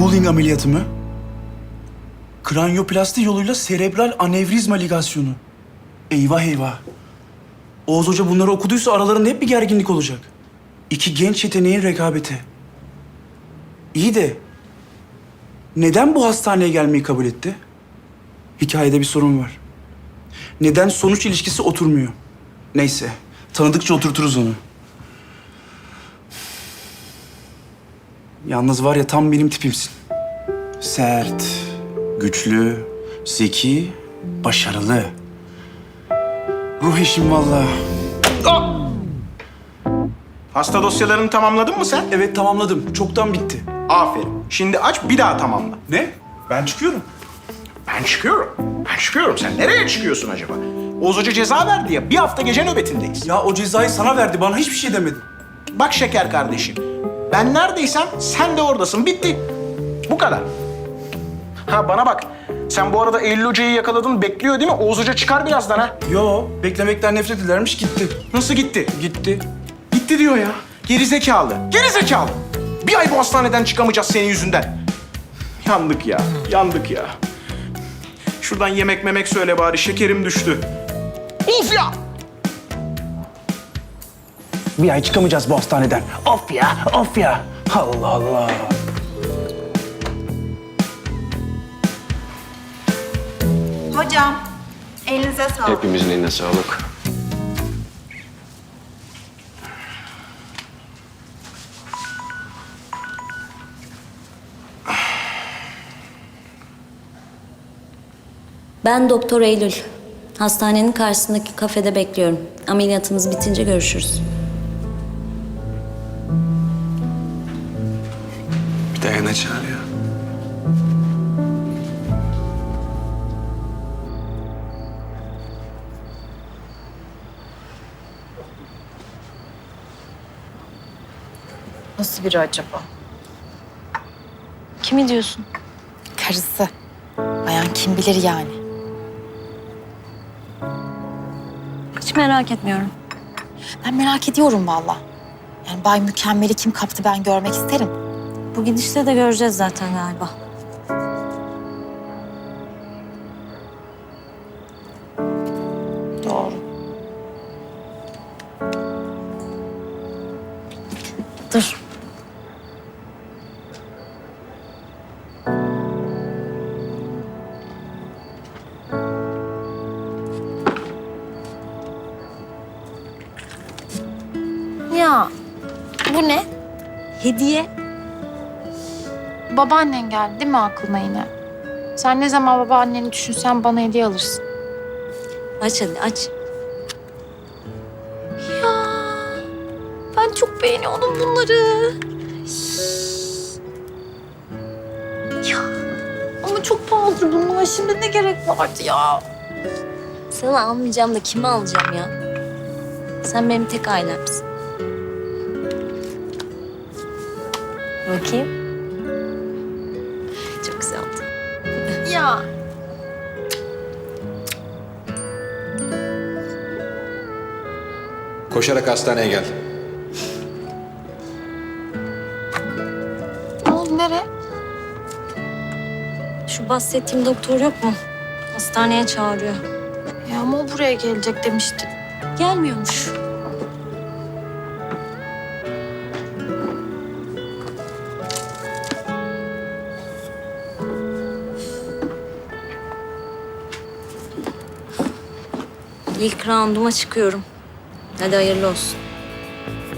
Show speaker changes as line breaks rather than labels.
Mulling ameliyatı mı? Kranyoplasti yoluyla serebral anevrizma ligasyonu. Eyvah eyvah. Oğuz Hoca bunları okuduysa aralarında hep bir gerginlik olacak. İki genç yeteneğin rekabeti. İyi de neden bu hastaneye gelmeyi kabul etti? Hikayede bir sorun var. Neden sonuç ilişkisi oturmuyor? Neyse, tanıdıkça oturturuz onu. Yalnız var ya tam benim tipimsin. Sert, güçlü, zeki, başarılı. Ruh eşim vallahi.
Hasta dosyalarını tamamladın mı sen?
Evet tamamladım. Çoktan bitti.
Aferin. Şimdi aç bir daha tamamla.
Ne? Ben çıkıyorum.
Ben çıkıyorum. Ben çıkıyorum. Sen nereye çıkıyorsun acaba? Oğuz Hoca ceza verdi ya. Bir hafta gece nöbetindeyiz.
Ya o cezayı sana verdi. Bana hiçbir şey demedi.
Bak şeker kardeşim. Ben neredeysem sen de oradasın. Bitti. Bu kadar. Ha bana bak. Sen bu arada Eylül Hoca'yı yakaladın. Bekliyor değil mi? Oğuz Hoca çıkar birazdan ha.
Yo, beklemekten nefret edermiş gitti.
Nasıl gitti?
Gitti.
Gitti diyor ya. Geri zekalı. Geri zekalı. Bir ay bu hastaneden çıkamayacağız senin yüzünden. Yandık ya. Yandık ya. Şuradan yemek memek söyle bari. Şekerim düştü. Of ya!
Bir ay çıkamayacağız bu hastaneden. Of ya, of ya. Allah Allah.
Hocam, elinize sağlık.
Hepimizin eline sağlık.
Ben Doktor Eylül. Hastanenin karşısındaki kafede bekliyorum. Ameliyatımız bitince görüşürüz.
Bir de yana çağır ya.
Nasıl biri acaba?
Kimi diyorsun?
Karısı. Bayan kim bilir yani.
Hiç merak etmiyorum.
Ben merak ediyorum valla. Yani Bay Mükemmel'i kim kaptı ben görmek isterim.
Bu gidişle de göreceğiz zaten galiba.
Doğru.
Dur.
Ya bu ne?
Hediye.
Babaannen geldi değil mi aklına yine? Sen ne zaman babaanneni düşünsen bana hediye alırsın.
Aç hadi aç.
Ya ben çok beğeniyordum bunları. Ya ama çok pahalıdır bunlar. Şimdi ne gerek vardı ya?
Sana almayacağım da kime alacağım ya? Sen benim tek ailemsin. Bakayım. Çok güzel oldu.
Ya
Koşarak hastaneye gel.
ne oldu nereye?
Şu bahsettiğim doktor yok mu? Hastaneye çağırıyor.
Ya ama o buraya gelecek demişti.
Gelmiyormuş. İlk rounduma çıkıyorum. Hadi hayırlı olsun.